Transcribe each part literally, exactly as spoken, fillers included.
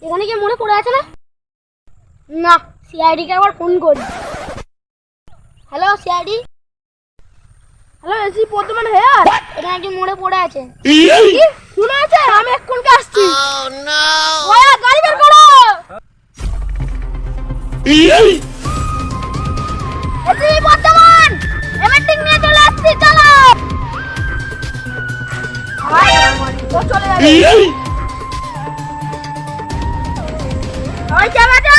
এখানে কি মনে পড়ে আছে না? না, সিআইডি কে আবার ফোন করি। Hello CID. হ্যালো এসি বর্তমান হেয়ার। এখানে কি মনে পড়ে আছে? কি শুনে আছে? আমি এক্ষুনি আসছি। ও নো ওয়া গাড়ি বের করো। এসি বর্তমান এমএটিং নিয়ে চলে আসছি, চলো। আয় ও চলে যাবে। ওই যাবা যা।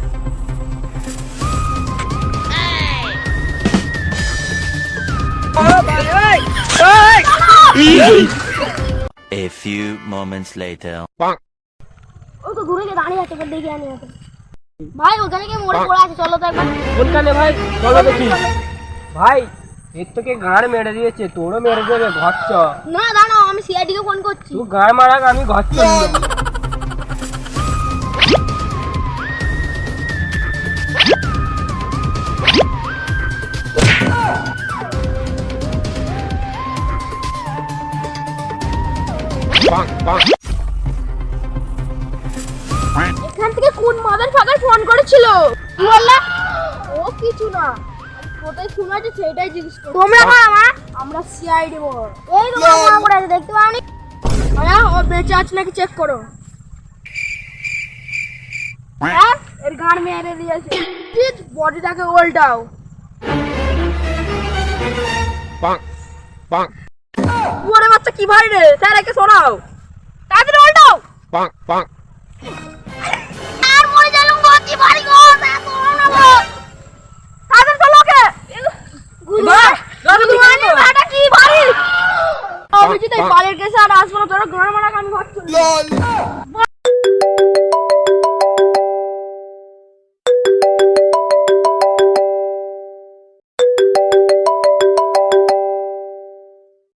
A few moments later. ও তো ঘুরে গিয়ে দাঁড়িয়ে আছে, দেখে আনি এখন। ভাই ওখানে কি মোড়ে পড়ে আছে, চলো তো একবার। কোনখানে ভাই? চলো দেখি। ভাই এর তোকে গাড় মেরে দিয়েছে, তোরও মেরে দেবে, ঘর চ। না দাঁড়াও, আমি সিআইডি কে ফোন করছি। তুই গাড় মারাক, আমি ঘর চ। এখান থেকে কোন মাদার ফাদার ফোন করেছিল? কি বললা? ও কিছু না, কোথায় শোনাছে সেটাই জিজ্ঞেস করো। তোমরা কারা মা? আমরা সিআইডি বল। এই তো মা পড়ে আছে, দেখতে পাওনি? আয়া ও বেঁচে আছে নাকি চেক করো। হ্যাঁ এর গান মেরে দিয়েছে, প্লিজ বডিটাকে উল্টাও। পাক পাক ওরে বাচ্চা কি ভাই রে, স্যার একে শোনাও, তাড়াতাড়ি উল্টাও। পাক পাক আর মরে গেলাম, গতি ভারী গো, না করো না গো। তাড়াতাড়ি চলো ওকে। বাহ দাদু তুমি মানে বাটা কি ভারী। আমি যদি বালের কেসে আর আসবো না, তোরা গান মারা গান ভাবছো। লল